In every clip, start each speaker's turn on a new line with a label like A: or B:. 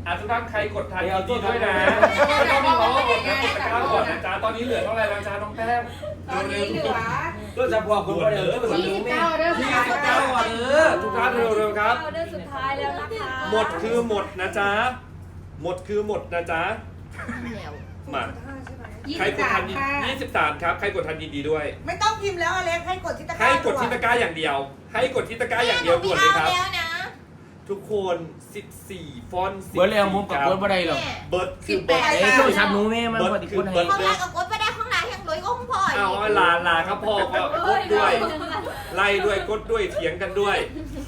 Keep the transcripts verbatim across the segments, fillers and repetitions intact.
A: อ่ะทุกท่านใครกดทันยินดีด้วยนะไม่ต้องรอกดนะกดตะกร้าก่อนนะจ๊ะตอนนี้เหลือเท่าไหร่แล้วจ๊ะน้องแป้ง
B: ตอนนี้เหลือ
C: ก็จะพอคนก็เดี๋ยวก็เหมือน
B: ยี่
C: เดิ
B: สิ
C: ม
B: บ
C: แม่
B: เก้าเด้อ
A: ยี่สิบเก้าอ่ะเออทุกท่านเร็วๆครับ
B: เด้อสุดท้ายแล้วนะคะ
A: หมดคือหมดนะจ๊ะหมดคือหมดนะจ๊ะมาใครกดทันยินยี่สิบสามครับใครกดทันยินดีด้วย
D: ไม่ต้องพิมพ์แล้วอเล็กให้กดที่ตะกร้า
A: ให้กดที่ตะกร้าอย่างเดียว ให้กดที่ตะกร้าอย่างเดียวด่วนเลยครับทุกคนสิบสี่ฟอนต์สิบ
C: เบิร์ดเลยมุมกับเบิร์ดบ่ได้หรอก
A: เบิร์ดคือเบิร์ด
C: เอ้ยโทรศัพท์หนูแม่มัน
A: เบิร์
C: ป
A: ด
C: ฏิ
A: คื
C: คุ
A: อ
C: ณ
A: เบิ
C: ให้
A: ร์ด
E: ห้องแรกกับกดไปได้ห้องไหนห้องรวยก็ห้องพ่อ
A: เอาลาลาครับพ่อก็กดด้วยไล่ด้วยกดด้วยเถียงกันด้วย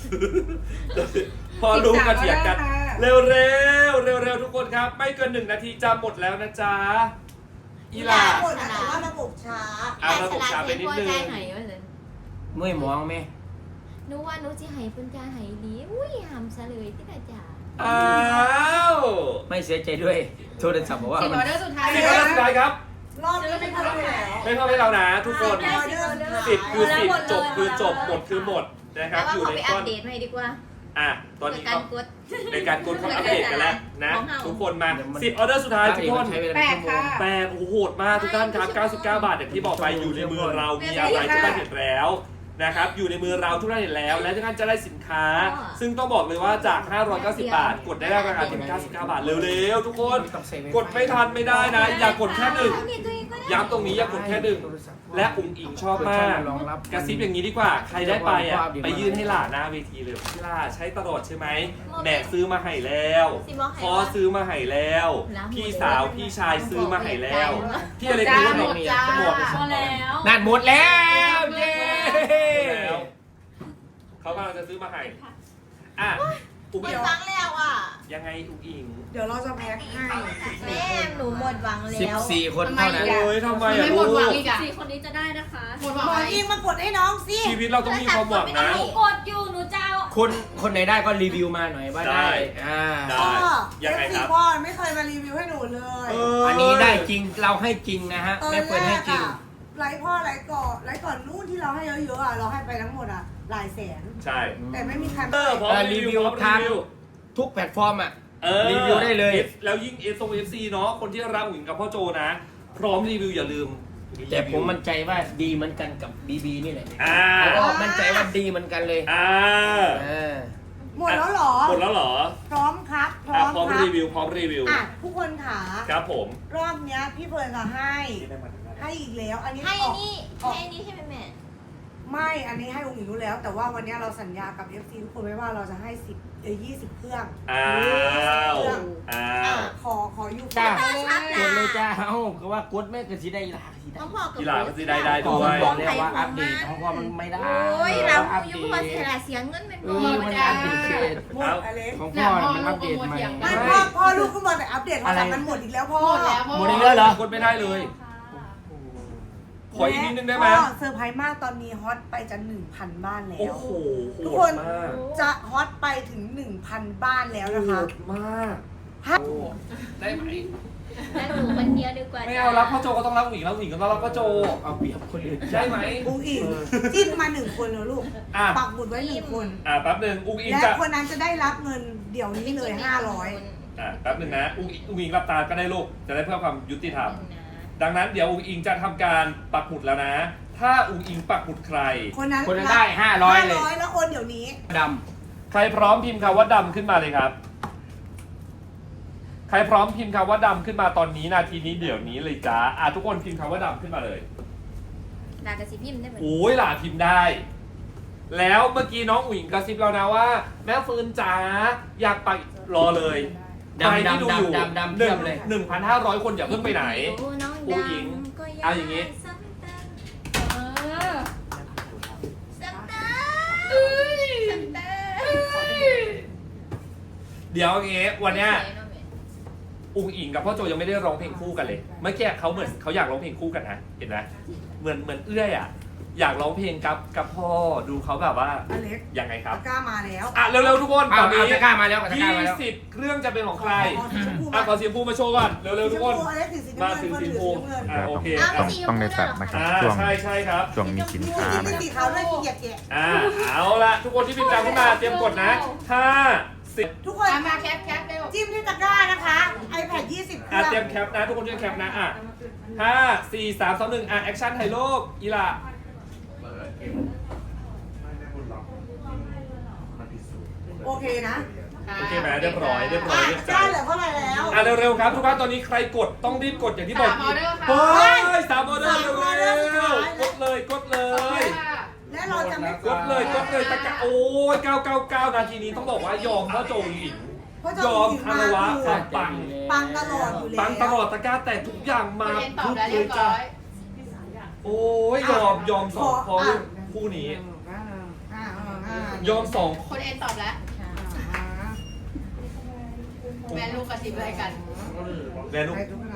A: พอรู้กันเถียงกัน เร็วเร็วเร็วเร็วๆทุกคนครับ ไม่เกินหนึ่งนาทีจะหมดแล้วนะจ๊ะอีหลา
D: หมดนะแต่ว่าระบบช้า
A: เอาระบบช้าไปนิดนึง
C: เมื่อยมองแม่
E: หนูว่าหนูจะให้เป็นการให้ดีอุ้ยหำซะเลยที่กระจา
A: อ้าว
C: ไม่เสียใจด้วยโทรศัพท์บอกว่า
B: สิบ
C: มั
B: อน อเดอร์สุดท้าย
A: สิบออเดอร์สุดท้ายครับ
D: รอบนี้ไม่เข้าไปแล้ว
A: ไม่เข้าให้เรานะทุกคน
D: ออเดอร์สุดท้าย
A: สิบคือสิบจบคือจบหมดคือหมดนะค
E: แต่
A: รับ
E: ว่า
A: อยู่
E: เขา
A: ใน
E: ไปอั
A: ก้
E: ป
A: อน
E: เดตให้ดีกว่า
A: อ่ะตอนนี้
E: การ
A: เขา
E: กด
A: ในการกดเขาอัปเดตกันแล้วนะ
E: ของเฮา
A: ทุกคนมาสิบออเดอร์สุดท้ายทุกคน
C: ใช้เวลา
B: แป
C: เป็น
B: ด
C: ชั่วโม
B: ค่ะ
C: ง
A: แปดโอ้โหโหดมากทุกท่านครับเก้าสิบเก้าบาทอย่างที่บอกไปอยู่ในมือเรามีอะไรทุกท่านเห็นแล้วนะครับอยู่ในมือเราทุกท่านเห็นแล้วและทุกท่านจะได้สินค้า ซึ่งต้องบอกเลยว่าจากห้าร้อยเก้าสิบบาท กดได้ราคาเพียงเก้าสิบเก้าบาทเร็วๆทุกคนกดไม่ทันไม่ได้นะ อย่ากดแค่หนึ่งย้ำตรงนี้อย่ากดแค่หนึ่งและอุ๋งอิงชอบมากกระซิบอย่างนี้ดีกว่าใครได้ไปอ่ะไปยื่นให้หลานหน้าเวทีเลยพี่ล่าใช้ตลอดใช่ไหมแม่ซื้อมาให้แล้วพ่อซื้อมาให้แล้ว พี่สาวพี่ชายซื้อมาให้แล้วพี่อะไร
B: จ้า
A: ซื้อ
B: หม
A: มา
B: ดจ้า
A: หมด
B: พอแล้ว
C: นั่นหมดแล้วเย้
A: แล้วเขากำลังจะซื้อมาให้อ่ะอุ๋ง
E: หม
A: อิ
E: ด
A: ง
E: หวังแล้วอ่ะ
A: ยังไงอุ๋งอิง
D: เดี๋ยวเราจะแพ็คให้
E: แม่หนูหมดหวัง
C: สิบ
E: แล้ว
C: สี่คนเท่านั้น
A: โอ้ยทำไม
B: ไม่
A: อ่ะ
B: หม
A: ลู
B: ดหวัง
A: ก
B: อีกอ่ะ
F: สี่คนนี้จะได้นะคะ
B: หมดหวัง
D: หมอ
B: อะไร
D: ยิงมากดให้น้องสิ
A: ชีวิตเราต้องมีความหวังนะ
E: หนู
F: กดอยู่หนูจะเอา
C: คนคนไหนได้ก็รีวิวมาหน่อยว่าได้อ่า
A: ได้
D: พ่อ
A: ยังไง
D: เอฟ
A: ค
D: ซี
A: รับ
D: พ่อไม่เคยมารีวิวให้หนูเลย
A: เ
C: อันนี้ได้จริงเราให้จริงนะฮะ
D: ตอน
C: แม่
D: แร
C: เปิดให้
D: ก
C: จริง
D: อะไลฟ์พ่อไลฟ์ก่อนไลฟ์ก่อนนู่นที่เราให้เยอะๆอะเราให้ไปทั้งหมดอะหลายแสน
A: ใช่
D: แต่ไม่มีใคร
A: เออพร้อมรีวิวพร้อมรีวิว
C: ทุกแพลตฟอร์มอ่ะ
A: เออ
C: รีวิวได้เลย
A: แล้วยิ่งเอสโอเอฟซีเนาะคนที่รักอุ๋งอิงกับพ่อโจนะ พร้อมรีวิวอย่าลืม
C: แต่ผมมั่นใจว่าดีเหมือนกันกับบีบีนี่แหละ
A: อ่า
C: แล้วก็มั่นใจว่าดีเหมือนกันเลย
A: อ่า
C: เออ
D: หมดแล้วเหรอ
A: หมดแล้วเหรอ
D: พร้อมครับ พร้
A: อ่ะ
D: อม
A: พร้อม
D: ครับ
A: รีวิวพร้อมรีวิว
D: อ่ะทุกคนขา
A: ครับผม
D: รอบเนี้ยพี่เฟิร์นจะให้ ให้อีกแล้ว อันนี้
E: ให้
D: อ
E: อั
D: อน ก
E: นี้ให้อันนี้ใช่ไหมแม่
D: ไม่ อันนี้ให้องค์หญิงรู้แล้ว แต่ว่าวันเนี้ยเราสัญญากับ เอฟ ซี ทุกคนไว้ว่าเราจะให้สิบเอ้ยยี่สิบเครื่อง
A: อ้าว
D: เครื่อง
A: อ้า
D: อ่ะ
A: ว
D: ขอขออยู่
C: จ้า
E: ชัด
C: กดเลย
E: นะ
C: จ้าเอ้าก็ว่ากดแม่ก็สิได้หลายสิได้
E: น้องพ่อกับ
A: กีฬาก็สิได้ได้
C: ขอ
A: ด้ว
C: มัน
A: ย
C: บอกแล้วว่าอัปเดตของพ่อมันไม่ได้
E: โอ้ยเรา
C: อัป
E: อยู่
C: เด
E: เพราะว่า
C: ต
E: เสียเสียเงินเป็น
C: เอ
E: บ่
C: อมันอัปเดตเขต
D: หมดอเล็ก
C: ของพ่อมันอัปเดตใหม่
D: ไม่พ่อพ่อลูกก็มาแต่อัปเดตโทรศัพท์มันหมดอีกแล้วพ่อ
B: หมดแล้ว
C: หมดอีกแล้วเหรอ
A: กดไม่ได้เลย ขออีกนิดนึงได้ไหม
D: พ่อเซอร์ไพรส์มากตอนนี้ฮอตไปจะหนึ่งพันบ้านแล้
A: โอ้
D: ว
A: โหโห
D: ทุก
A: ด
D: คน
A: มาก
D: จะฮอตไปถึง หนึ่งพัน บ้านแล้วนะ
A: โห
D: คะ
A: ดมาก ได้ไหม
E: แล้วหนูคนเดียวดีกว่า
A: ไม่เอารับพ่อโจก็ต้องรับอุ๋งอิงรับอุ๋งอิงก็ต้องรับพ่อโจ
C: เอาเปรียบคนอื่น
A: ได้ไหม
D: อุ้งอิงจิ้มมาหนึ่งคนแล้วลูก
A: อ่ะ
D: ปักหมุดไว้หนึ่งคน
A: อ่ะแป๊บหนึ่งอุ๋งอิง
D: และ
A: จะ
D: คนนั้นจะได้รับเงินเดี๋ยวนี้เลยห้าร้อย
A: อ่ะแป๊บหนึ่งนะอุ๋งอิงอุ๋งอิงรับตาก็ได้ลูกจะได้เพื่อความยุติธรรม ดังนั้นเดี๋ยวอุ๋งอิงจะทำการปักหมุดแล้วนะ ถ้าอุ๋งอิงปักหมุดใคร
D: คนนั้น
C: คนนั้นได้ห้าร้อยเลย
D: ห้าร้อยแล้วโอนเดี๋ยวนี้
C: ด
A: ใครพร้อมพิมพ์คำว่าดำขึ้นมาเลยครับ ใครพร้อมพิมพ์คำว่าดำขึ้นมาตอนนี้นาทีนี้เดี๋ยวนี้เลยจ้าอ่ะทุกคนพิมพ์คำว่าดำขึ้นมาเลย
E: ดากระซิบพิมพ์ได้ไหม
A: โอ้ยหล่าพิมพ์ได้ แล้วเมื่อกี้น้องอุ๋งอิงกระซิบเรานะว่า แม่ฟืนจ๋าอยากไปรอเลย
C: ำ
A: ใคร
C: ดำ
A: ที่ดู
C: ดำ
A: อยู่
C: ดำดำดำ
A: ห
C: เที
A: นึ่
C: ย
A: ง
C: บเลย
A: หนึ่งพันห้าร้อยคนอย่าเพิ่งไปไหน
E: น้อง
A: ผู้หญิง
E: ดำก็ย
A: เอาอย่างงี้
E: นี้สักตา
B: เออ
E: สักตาสักตา
A: เดี๋ยวอย่างงี้วันเนี้ยอุ๋งอิงกับพ่อโจยังไม่ได้ร้องเพลงคู่กันเลยเมื่อกี้เขาเหมือนเขาอยากร้องเพลงคู่กันนะเห็นไหมเหมือนเหมือนเอื้อยอ่ะอยากร้องเพลงกับกับพ่อดูเขาแบบว่า
D: อเล็ก
A: ยังไงครับ
D: ตะกร้ามาแล้ว
A: อ่ะเร็วๆทุกคน
C: เอา
A: ตอนนี้
C: เอาตะกร้ามาแล้วตะกร้า
A: ยี่
C: มาแล้ว
A: สิบเครื่องจะเป็นของใคร
D: ขอสีชมพู
A: อ่ะขอเสียงพูมาโชว์ก่อนเร็วๆทุกคน
D: สีชมพูอเล็กถือสี
A: มา
D: น้ำเงิน
A: ถึง
D: เฟิร์น
A: สี
D: ถือ
A: พู
D: สีน้ำเงิน
A: อ่ะโอเค
E: เอา
A: อ่ะ
E: สีชม
G: ต้อง
E: พู
G: ได้
E: ด้วย
G: แฟ
E: เหรอ
G: กต์นะค
A: อ่า
G: รับช่วง
A: ใช่ใช่ครับ
G: ช่วงมีสินค้า
D: สี
G: นะ
D: สีขาวด้วยสีแยกแยะ
A: อ่าเอาละทุกคนที่พิมพ์ตามขึ้นมาเตรียมกดนะห้า สสิบ
D: ทุกคน
B: เอามาแคปแคปเร็ว
D: จิ้มที่ตะกร้านะคะ iPad ยี่สิบเค
A: อ่ะ
D: รื่อง
A: เตรียมแคปนะทุกคนช่วยแคปนะอ่ะห้าสี่สามสองหนึ่งอ่ะแอคชั่นถ่ายรูปอีหล่ะ
D: โอเคนะ
A: โอเคไหมเรียบร้อยเรียบร้อย
D: อ่ะ
A: เรียบ
D: ได้
A: ร้อย
D: เหลือเท่าไหร่แล้ว
A: อ่ะเร็วๆครับทุกท่านตอนนี้ใครกดต้องรีบกดอย่างที่บอก
B: สามออเดอร์ค่ะ
A: เฮ้ยสามออเดอร์
D: สามออเด
A: เร็
D: อร์สุดท้า
A: วย ๆกดเลยกดเลย
D: และเราจะไม่
A: กดเลยกดเลยตะกะโอ้ยเก้าเก้าเก้านาทีนี้ต้องบอกว่ายอมเพราะโจงหญิง
D: เพราะ
A: ย
D: จะ
A: อม
D: มี
A: คารวะ
D: คือ
A: ความปัง
D: ปังตลอดอยู่แล้ว
A: ปังตลอดตะกร้าแต่ทุกอย่าง
B: คุ
A: มา
B: ณเอ็นตอบ
A: ทุก
B: แล้ว
A: เล
B: เรีย
A: ย
B: บ
A: จ้ะ
B: ร้อย
A: โอ้ยยอมยอมสองพอลูกคู่นี้
D: อ่าอ่าอ่าย
A: อมสอง
B: คุณเอ็นตอบแล้ว
D: อ่า
B: แม่ลูกกระซิบอะไรกัน
A: แม่ลูก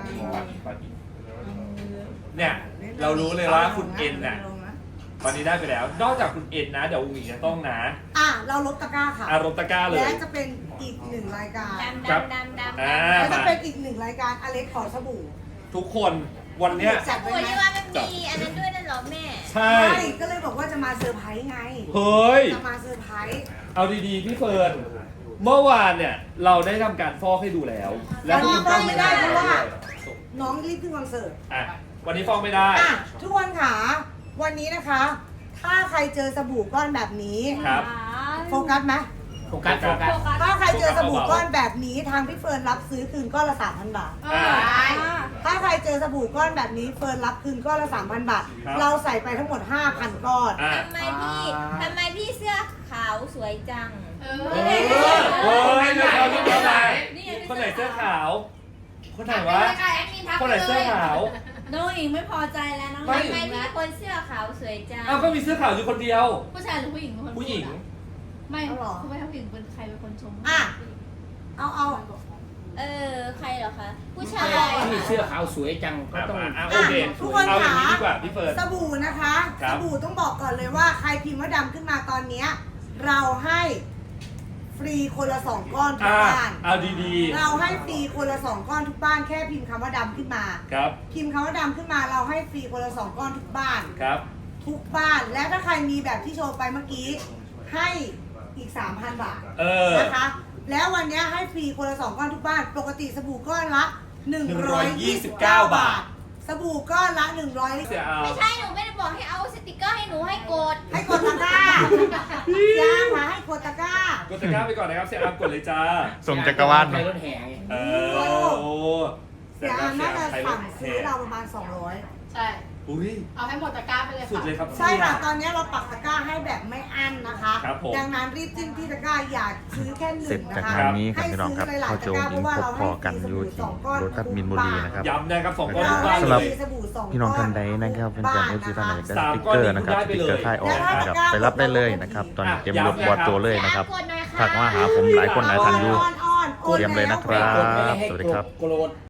A: เนี่ยเรารู้เลยว่าคุณเอ็นน่ะตอนนี้ได้ไปแล้ว นอกจากคุณเอ็นนะเดี๋ยวอุ้งอิงจะต้องนะ
D: อ่ะเราลบตะกร้าค่ะ
A: อารมณ์ตะกร้าเลย
D: และจะเป็นอีกหนึ่งรายการ
E: ดำ
A: ครับ
E: ดำดำดำ
A: อ่า
D: และจะ
A: มา
D: เป็นอีกหนึ่งรายการอเล็กขอสบู่
A: ทุกคนวันเนี้ย
D: จัด
E: โอ้
D: ไว้
E: ย
D: ไหม
E: ที่ว่ามันมีอันนั้นด้วยนั่นเหรอแม่
A: ใช่
D: ใช่ก็เลยบอกว่าจะมาเซอร์ไพรส์ไง
A: เฮ้ย
D: จะมาเซอร์ไพรส์
A: เอาดีๆพี่เฟิร์นเมื่อวานเนี่ยเราได้ทำการฟอกให้ดูแล้ว แล้วคุณก็ไม่ได้เพราะว่า
D: น้องรีบขึ้นคอนเสิร์ต
A: อ่ะวันนี้ฟอกไม่ได้
D: อ่ะทุกคนค่ะวันนี้นะคะ ถ้าใครเจอสบู่ก้อนแบบนี้
A: ครับ
D: โฟกัสไหม
C: โฟกัสโฟกัส
D: ถ้าใครเจอสบู่ก้อนแบบนี้ทางพี่เฟิร์นรับซื้อคืนก้อนละสามพันบาท
B: เออได้
D: ถ้าใครเจอสบู่ก้อนแบบนี้เฟิร์นรับคืนก้อนละสามพันบาท
A: ครับ
D: เราใส่ไปทั้งหมดห้าพันก้อน
A: อ่ะ
E: ทำไมพี่ทำไมพี่เสื้อขาวสวยจัง
B: เอ
A: เอ
B: อ
A: อเฮ้ยเรื่องเราเรื่องเราไหน
B: นี่ไง
A: คนไหนเสื้อขาว คนไหน
B: ทัก
A: วะ
B: ไปเลยค่ะแอดมินทัก
A: คน
B: ไป
A: ไหน
B: เล
A: เสื้อย ขาว
F: น้องอิงไม่พอใจแล้วน้อง
A: ไม่
E: ทำไมพี่คนเสื้อขาวสวยจัง
A: อ้าวก็มีเสื้อขาวอยู่คนเดียว
F: ผู้ชายหรือผู้หญิงเป็นคนพูด
A: ผู้หญิง
F: อะไม่คุณไม่ทำผู้หญิงเป็นใครเป็นคนชม
D: อ่ะ เอาเอา
E: เออใครเหรอคะผู้ชาย
C: ที่เสื้อขาวสวยจังก็
A: อ่ะ
C: ต้อง
A: มาอ่ะโอเค
D: ทุกคน
A: เอาอย่างนี้
D: ค่ะ
A: ดีกว่าพี่เฟิร์น
D: สบู่นะคะ
A: ครั
D: ส
A: บ
D: บู่ต้องบอกก่อนเลยว่าใครพิมพ์ว่าดำขึ้นมาตอนเนี้ยเราให้ฟรีคนละสองก้อนทุก
A: อ่ะ
D: บ้าน
A: เอาดี
D: เราให้ฟรีคนละสองก้อนทุกบ้านแค่พิมพ์คำว่าดำขึ้นมา
A: ๆ ครับ
D: พิมพ์คำว่าดำขึ้นมาเราให้ฟรีคนละสองก้อนทุกบ้าน
A: ครับ
D: ทุกบ้านและถ้าใครมีแบบที่โชว์ไปเมื่อกี้ให้อีก สามพัน บาท
A: เออ
D: นะคะ แล้ววันนี้ให้ฟรีคนละสองก้อนทุกบ้าน ปกติสบู่ก้อนละหนึ่งร้อยยี่สิบเก้า บาท สบู่ก้อนละหนึ่งร้อย
A: เสียเอา
E: ไม่ใช่หนูไม่ได้บอกให้เอาสติกเกอร์ให้หนูให้กด
D: ให้กดตะกร้าย่าค่ะให้กดตะกร้า
A: กดตะกร้าไปก่อนนะครับ เสียอามกดเลยจ้า
G: ส่งจักรวาล
C: ใคร
G: มาร
C: ถแห่ไง
A: เออโอ้
D: เสียอันน่าจะ
A: ใคร
D: สั่ง
A: แท
D: ซื้อน เราประมาณสองร้อย
B: ใช่
A: อุ้ย
B: เอาให้หมดตะกร้าไปเลย
A: สุด
B: ค่ะ
A: เลยครับ
D: ใช่ค่ะ ตอนนี้เราปักตะกร้าให้แบบไม่อั้นนะคะ
A: ครับผม
D: ดังนั้นรีบจิ้มที่ตะกร้าอย่าซื้อแค่ห
G: เสร็
D: นึ่
G: จ
D: ง
G: จาก
D: นะคะ
G: งานนี้ครับ
D: ให้
G: พี่น้องครับ
D: ซื้หลา
G: พ่อย
D: ๆ
G: โจ
D: ตะกร้า
G: ยิ
D: เพ
G: ง
D: ราะว่า
G: พบ
D: เรา
G: พ
D: ให้
G: อกัน
D: ฟรี
G: อยู่
D: ส
G: ที่
D: บู่สองก้อน
G: รถบัสมินบุรีนะครับ
A: ย้ำนะครับสองก้อนทุกบ้าน
G: สำหรับ
A: เลย
D: สบู่สองก้อน
G: พี่น้องท่านใดนะครับเป็นการเอฟซีท่านไหนได้ส
A: สาม
G: ติ๊ก
A: ก้อน
G: เกอ
A: นี้
G: ร์นะครับ
A: ได้
G: ส
A: ไป
G: ติ๊ก
A: เลย
G: เกอร์ไทยออก
D: แล้วถ้า
G: นะครับ
D: ตะกร้า
G: ไปรับได้เลยนะครับ ตอนนี้เตรียมรถบอดตัวเลยนะครับทักมาหาผมหลายคนหลายท่านอยู่
D: อ้อนๆโอน
G: เตรียมเลยนะครับ
C: กดไม่ให้
G: สวัสดีครับ
C: โกรธ